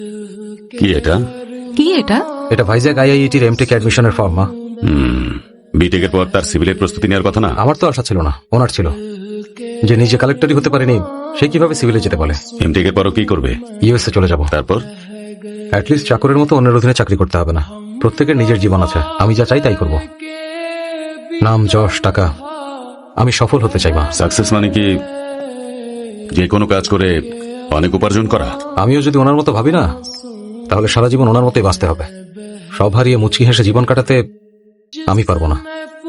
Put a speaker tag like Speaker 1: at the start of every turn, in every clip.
Speaker 1: কি এটা?
Speaker 2: কি এটা?
Speaker 3: এটা ভাইজ্যাক আইআইটির এমটেক অ্যাডমিশনের ফর্ম। মা,
Speaker 1: বিটেক এর পর তার সিভিলের প্রস্তুতি নেওয়ার কথা না?
Speaker 3: আমার তো আশা ছিল না, ওনার ছিল। যে নিজে কালেক্টরই হতে পারেনি সে কিভাবে সিভিলে যেতে বলে?
Speaker 1: এমটেক এর পরও কি করবে?
Speaker 3: ইউএসএ চলে যাব।
Speaker 1: তারপর?
Speaker 3: অ্যাটলিস্ট চাকরের মতো অন্যের অধীনে চাকরি করতে হবে না। প্রত্যেকের নিজের জীবন আছে, আমি যা চাই তাই করব। নাম, যশ, টাকা, আমি সফল হতে চাই। মা,
Speaker 1: সাকসেস মানে কি যে কোনো কাজ করে অনেক উপার্জন করা?
Speaker 3: আমিও যদি ওনার মতো ভাবি না, তাহলে সারা জীবন ওনার মতোই বাঁচতে হবে। সব হারিয়ে মুচকি হেসে জীবন কাটাতে আমি পারবো না।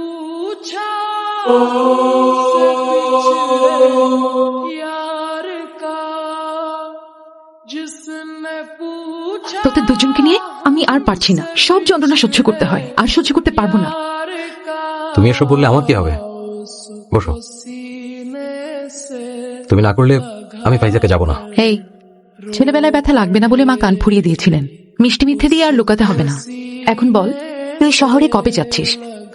Speaker 2: তোদের দুজনকে নিয়ে আমি আর পারছি না। সব যন্ত্রণা সহ্য করতে হয়, আর সহ্য করতে পারবো না।
Speaker 3: তুমি এসব বললে আমার কি হবে? বসো। তুমি না করলে আমি ফাইজাকে যাব না।
Speaker 2: এই, ছেলেবেলায় ব্যথা লাগবে না বলে মা কান ফুরিয়ে দিয়েছিলেন। মিষ্টি মিথ্যে দিয়ে আর লুকাতে হবে না। এখন বল, তুই শহরে কবে যাচ্ছিস?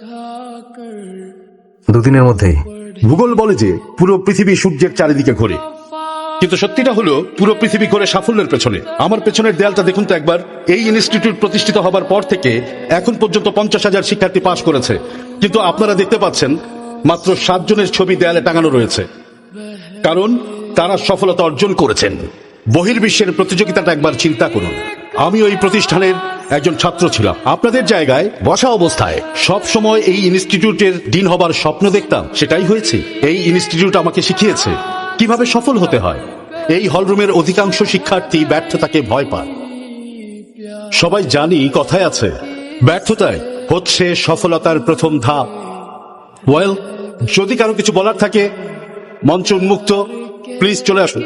Speaker 3: দুদিনের মধ্যেই।
Speaker 4: ভূগোল বলে যে পুরো পৃথিবী সূর্যের চারিদিকে ঘোরে, কিন্তু সত্যিটা হলো পুরো পৃথিবী ঘোরে সাফল্যের পেছনে। আমার পেছনের দেয়ালটা দেখুন তো একবার। এই ইনস্টিটিউট প্রতিষ্ঠিত হবার পর থেকে এখন পর্যন্ত 50,000 শিক্ষার্থী পাশ করেছে, কিন্তু আপনারা দেখতে পাচ্ছেন মাত্র 7 জনের ছবি দেয়ালে টাঙানো রয়েছে। কারণ তারা সফলতা অর্জন করেছেন। বহির্বিশ্বের প্রতিযোগিতাটা একবার চিন্তা করুন। আমি ওই প্রতিষ্ঠানের একজন ছাত্র ছিলাম। আপনাদের জায়গায় বসা অবস্থায় সব সময় এই ইনস্টিটিউটের ডিন হবার স্বপ্ন দেখতাম, সেটাই হয়েছে। এই ইনস্টিটিউট আমাকে শিখিয়েছে কিভাবে সফল হতে হয়। এই হলরুমের অধিকাংশ শিক্ষার্থী ব্যর্থতাকে ভয় পায়। সবাই জানি কথায় আছে, ব্যর্থতায় হচ্ছে সফলতার প্রথম ধাপ। ওয়েল, যদি কারো কিছু বলার থাকে মঞ্চ উন্মুক্ত, প্লিজ চলে আসুন।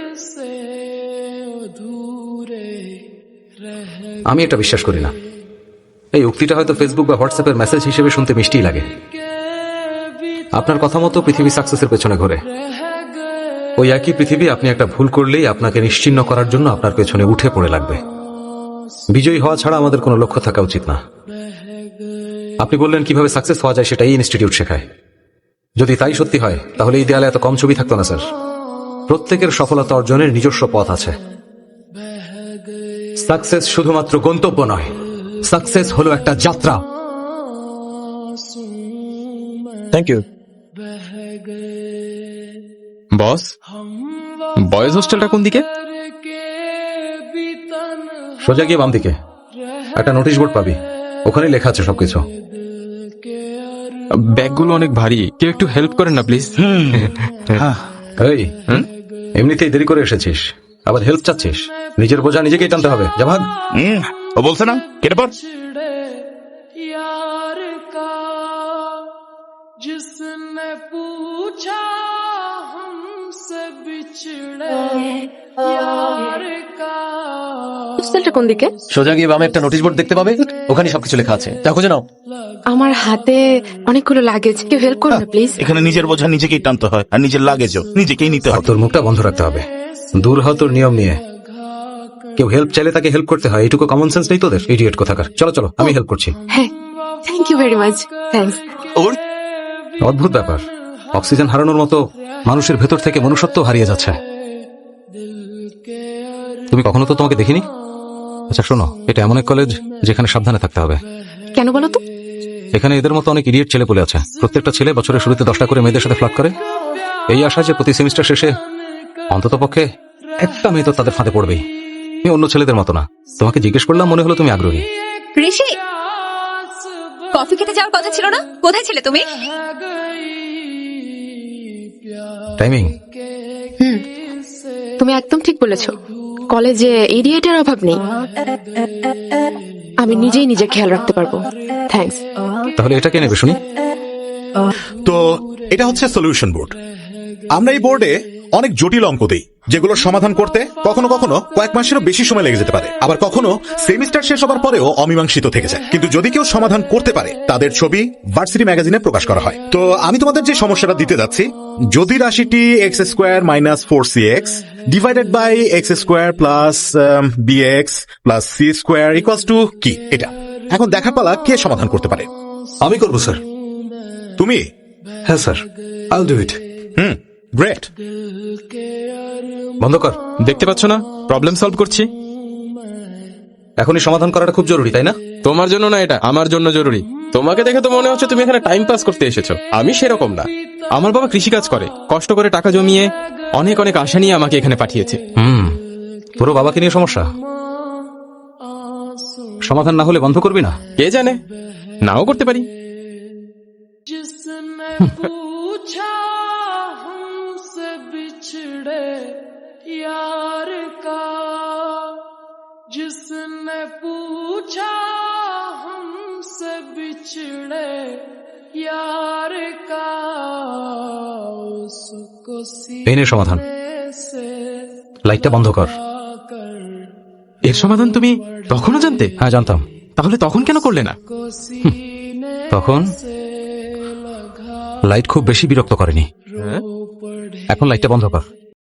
Speaker 3: আমি এটা বিশ্বাস করি না। এই উক্তিটা হয়তো ফেসবুক বা হোয়াটসঅ্যাপের মেসেজ হিসেবে শুনতে মিষ্টিই লাগে। আপনার কথা মতো পৃথিবী সাকসেসের পেছনে ঘোরে। ওই একই পৃথিবী আপনি একটা ভুল করলেই আপনাকে নিশ্চিহ্ন করার জন্য আপনার পেছনে উঠে পড়ে লাগবে। বিজয়ী হওয়া ছাড়া আমাদের কোনো লক্ষ্য থাকা উচিত না। আপনি বললেন কিভাবে সাকসেস হওয়া যায় সেটা এই ইনস্টিটিউট শেখায়। যদি তাই সত্যি হয় তাহলে এই দেয়ালে এত কম ছবি থাকতো না। স্যার, প্রত্যেকের সফলতা অর্জনের নিজস্ব পথ আছে। সাকসেস শুধুমাত্র গন্তব্য নয়, সাকসেস হলো একটা যাত্রা।
Speaker 5: Thank you boss. বয়েজ হোস্টেলটা কোন দিকে?
Speaker 3: সোজা গিয়ে বাম দিকে একটা নোটিশ বোর্ড পাবি, ওখানে লেখা আছে সবকিছু।
Speaker 5: ব্যাগগুলো অনেক ভারী, কেউ একটু হেল্প করেন না প্লিজ।
Speaker 3: এই, এমনিতেই দেরি করে এসেছিস, আবার হেল্প চাচ্ছিস? নিজের বোঝা নিজেকেই টানতে হবে। যা ভাগ।
Speaker 4: ও বলছে না কেটে পর।
Speaker 6: হোস্টেলটা কোন দিকে?
Speaker 7: সোজা গিয়ে বামে একটা নোটিশ বোর্ড দেখতে পাবে, ওখানে সবকিছু লেখা আছে। তা খুঁজে নাও।
Speaker 6: আমার হাতে অনেকগুলো লাগেজ, কেউ হেল্প করুন না প্লিজ।
Speaker 8: এখানে নিজের বোঝা নিজেকেই টানতে হয়, আর নিজের লাগেজও নিজেকেই নিতে
Speaker 3: আর
Speaker 8: হয়।
Speaker 3: তোর মুখটা বন্ধ রাখতে হবে। দূর হ তোর নিয়ম নিয়ে। কেউ হেল্প চাইলে তাকে হেল্প করতে হয়, এইটুকু কমন সেন্স নেই তোদের? ইডিয়েট কোথাকার। চলো চলো, আমি হেল্প করছি।
Speaker 6: হ্যাঁ, thank you very much. Thanks.
Speaker 3: অদ্ভুত ব্যাপার, অক্সিজেন হারানোর মতো মানুষের ভেতর থেকে মনুষ্যত্ব হারিয়ে যাচ্ছে। তুমি কখনো তো তোমাকে দেখিনি। আচ্ছা শোনো, এটা এমন এক কলেজ যেখানে সাবধানে থাকতে হবে।
Speaker 6: কেন বলো তো?
Speaker 3: এখানে এদের মতো অনেক ইডিয়েট ছেলে পেলে আছে। প্রত্যেকটা ছেলে বছরের শুরুতে 10টা করে মেয়েদের সাথে ফ্লার্ট করে, এই আশা যে প্রতি সেমিস্টার শেষে অন্তত পক্ষে একটা মেয়ে তো তাদের ফাঁদে পড়বেই। তুমি অন্য ছেলেদের মতো না। তোমাকে জিজ্ঞেস করলাম, মনে হলো তুমি আগ্রহী।
Speaker 9: ঋষি, কফি খেতে যাওয়ার কথা ছিল না? কোথায় ছিলে তুমি?
Speaker 3: টাইমিং।
Speaker 6: তুমি একদম ঠিক বলেছো। কলেজে ইডিয়েটের অভাব নেই। আমি নিজেই নিজে খেয়াল রাখতে পারবো। থ্যাঙ্কস।
Speaker 3: তাহলে এটা কে নেবে শুনি?
Speaker 4: তো এটা হচ্ছে সলিউশন বোর্ড। আমরা এই বোর্ডে অনেক জটিল অঙ্ক দিই, যেগুলোর সমাধান করতে কখনো কখনো কয়েক মাসেরও বেশি সময় লেগে যেতে পারে। আবার কখনো সেমিস্টার শেষ হবার পরেও অমীমাংসিত থেকে যায়। কিন্তু যদি কেউ সমাধান করতে পারে, তাদের ছবি ভার্সিটি ম্যাগাজিনে প্রকাশ করা হয়। তো আমি তোমাদের যে সমস্যাটা দিতে যাচ্ছি, যদি রাশিটি x square minus 4cx divided by x square plus bx plus c square equals to কি, এটা এখন দেখার পালা কে সমাধান করতে পারে।
Speaker 3: আমি করবো স্যার।
Speaker 4: তুমি?
Speaker 3: হ্যাঁ sir, I will do it.
Speaker 4: Great.
Speaker 3: বন্ধ কর।
Speaker 5: দেখতে পাচ্ছ না প্রবলেম সলভ করছি?
Speaker 3: এখনই সমাধান করাটা খুব জরুরি, তাই না?
Speaker 5: তোমার জন্য না, এটা আমার জন্য জরুরি। তোমাকে দেখে তো মনে হচ্ছে তুমি এখানে টাইম পাস করতে এসেছো। আমি সেরকম না। আমার বাবা কৃষিকাজ করে, কষ্ট করে টাকা জমিয়ে অনেক অনেক আশা নিয়ে আমাকে এখানে পাঠিয়েছে।
Speaker 3: পুরো বাবাকে নিয়ে সমস্যা। সমাধান না হলে বন্ধ করবি না?
Speaker 5: কে জানে, নাও করতে পারি।
Speaker 10: पूछा हमसे बिछड़े यार का, जिसने पूछा हमसे बिछड़े यार का, उसको
Speaker 3: এই নে সমাধান।
Speaker 10: से
Speaker 3: লাইটটা বন্ধ কর।
Speaker 5: এর সমাধান তুমি তখনও জানতে?
Speaker 3: হ্যাঁ, জানতাম।
Speaker 5: তাহলে তখন কেন করলে না?
Speaker 3: তখন লাইট খুব বেশি বিরক্ত করেনি। এখন লাইটটা বন্ধ কর।